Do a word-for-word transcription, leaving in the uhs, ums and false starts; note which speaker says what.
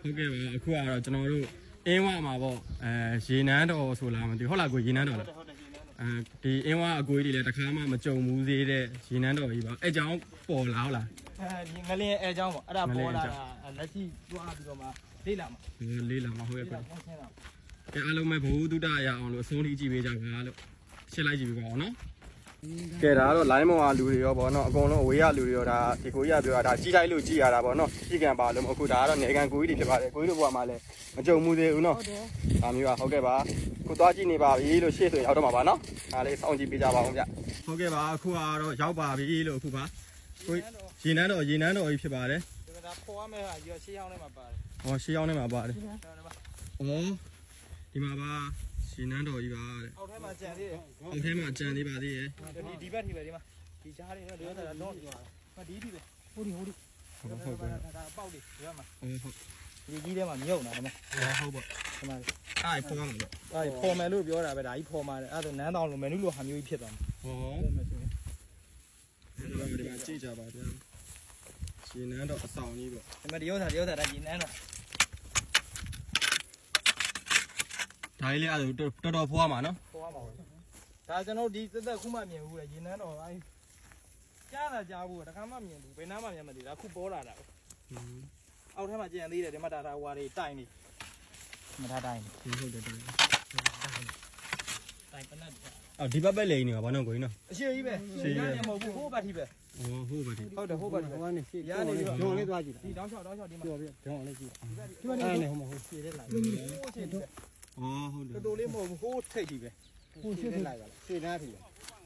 Speaker 1: ဟုတ်ကဲ့ပါအခုကတော့ကျွန်တော်တို့အင်းဝမှာပေါ့အဲရေနန်းတော်ဆိုလားမသိဟုတ်လားကိုရေနန်းတော်လားအဲဒီအင်းဝအကိုကြီးတွေလည်းတစ်ခါမှမကြုံဘူးသေးတဲ့ရေနန်းတော်ကြီးပါအဲကြောင့်ပေါ်လာဟုတ်လား
Speaker 2: အဲဒီငလင်းအဲအကြောင်းပေါ့အဲ့ဒါပေါ်လာတာလက်ရှိတွားပြီးတော့မှလေးလာမှာ
Speaker 1: လေးလာမှာဟုတ်ရဲ့
Speaker 2: လေး
Speaker 1: ကွ
Speaker 2: လာဆင်းတာ
Speaker 1: အဲအားလုံးပဲဘဝတုဒ္ဒရအောင်လို့အဆုံးထိကြည့်ပေးကြပါလို့ရှင်းလိုက်ကြည့်ပေးပါအောင်နော်ကဲဒါကတော့ line မောင်ကလူတွေရောဗောနော်အကုန်လုံးအဝေးရလူတွေရောဒါဒီကိုကြီးကပြောတာဒါကြီးတိုင်းလို့ကြည်ရတာဗောနော်ကြီးကံပါလို့အခုဒါကတော့နေကန်ကိုကြီးတွေဖြစ်ပါတယ်ကိုကြီးတို့ဘဝမှာလည်းမကြုံမှုသေးဘူးနော်ဒါမျိုးอ่ะဟုတ်ကဲ့ပါခုသွားကြည့်နေပါပြီလို့ရှေ့ဆိုရောက်တော့မှာပါနော်ဒါလေးစောင့်ကြည့်ပေးကြပါအောင်ဗျဟုတ်ကဲ့ပါအခုကတော့ရောက်ပါပြီလို့အခုပါကိုရေနန်းတော်ရေနန်းတော်ကြီးဖြစ်ပါတယ်
Speaker 2: ဒါပေါ်ရမယ့်ဟာရွှေရှေးရောက်နေမှာပါတယ်
Speaker 1: ဟောရှေးရောက်နေမှာပါတယ်ဩဒီမှာပါရေနန်းတော်ကြီးပါတဲ့
Speaker 2: အောက်ထဲမှာကြံသေးတယ်
Speaker 1: အောက်ထဲမှာကြံသေးပါသေးရဲ့
Speaker 2: ဒီဒီဘက်ထိပဲဒီမှာဒီကြားလေးတော့ဒီကတော့တော့မဒီဒီပဲဟိုဒီဟိုဒီ
Speaker 1: ဟုတ်ဟုတ်ပါ
Speaker 2: ဒါပေါက်လေးဒီဘက်မှာ
Speaker 1: ဟုတ်ဟုတ်
Speaker 2: ဒီကြီးထဲမှာမြုပ်နေတာဒီမှာ
Speaker 1: ဟုတ်ပါ
Speaker 2: ဒီမှာ
Speaker 1: အားဖောင်းမှာလို့
Speaker 2: အဲဖော်မယ်လို့ပြောတာပဲဒါကြီးဖော်မှာတယ်အဲ့ဒါနန်းတောင်လိုမယ်နုလိုဟာမျိုးကြီးဖြစ်သွားမှာ
Speaker 1: ဟော
Speaker 2: ဖော်မယ်ဆိုရင်
Speaker 1: ဒီမှာဒီမှာကြည့်ကြပါဗျာရှင်နန်းတော့အဆောင်ကြီးပေါ့
Speaker 2: ဒီမှာဒီဥစ္စာဒီဥစ္စာဒါကြီးနန်းတော့
Speaker 1: ဒါကြီးလေးအဲ့ဒါတော်တော်ဖွားမှာနော်
Speaker 2: ဖော်ရမှာပဲဒါကျွန်တော်ဒီသက်သက်ခုမှမြင်ဘူးလေရေနန်းတော့အဲကြားတာကြားဘူးတခါမှမြင်ဘူးဘယ်နားမှမြင်မသိဘူးဒါခုပေါ်လာတာအောက်ထဲမှာကြံသေးတယ်ဒီမှာဒါဒါဟွာတွေတိုင်နေမထားတိုင်
Speaker 1: ဟုတ်တယ်တိုင်
Speaker 2: တိုင်ပနတ်
Speaker 1: အော်ဒီဘက်ပဲလိန်နေပါဘာလို့ကိုင်းနော်
Speaker 2: အရှိကြီးပဲမဟုတ်ဘူးဟိုးဘတ်ထိပဲ
Speaker 1: ဟောဟုတ်ပါဒီ
Speaker 2: ဟုတ်တယ်ဟိုးဘတ်ထိပဲ
Speaker 3: ဟိုကနေရှေ့
Speaker 2: ရနေပြီးတော့
Speaker 3: ဒုံလေးသွားကြည့်
Speaker 2: ဒီတောင်းချောက်တောင်းချောက်ဒီမှာ
Speaker 3: ပြောပြဒုံလေးကြည့်
Speaker 2: ဒီမှာနေဟိုမှာဟိုရှည်တဲ့လိုက်ဟိုရှည်တဲ့
Speaker 1: ဟောဟုတ်တယ်
Speaker 2: တော်တော်လေးမဟုတ်ဘူးဟိုးထိတ်ကြီးပဲ
Speaker 3: ဟိုရှေ့လိုက်ပါလားရှေ့နားထီ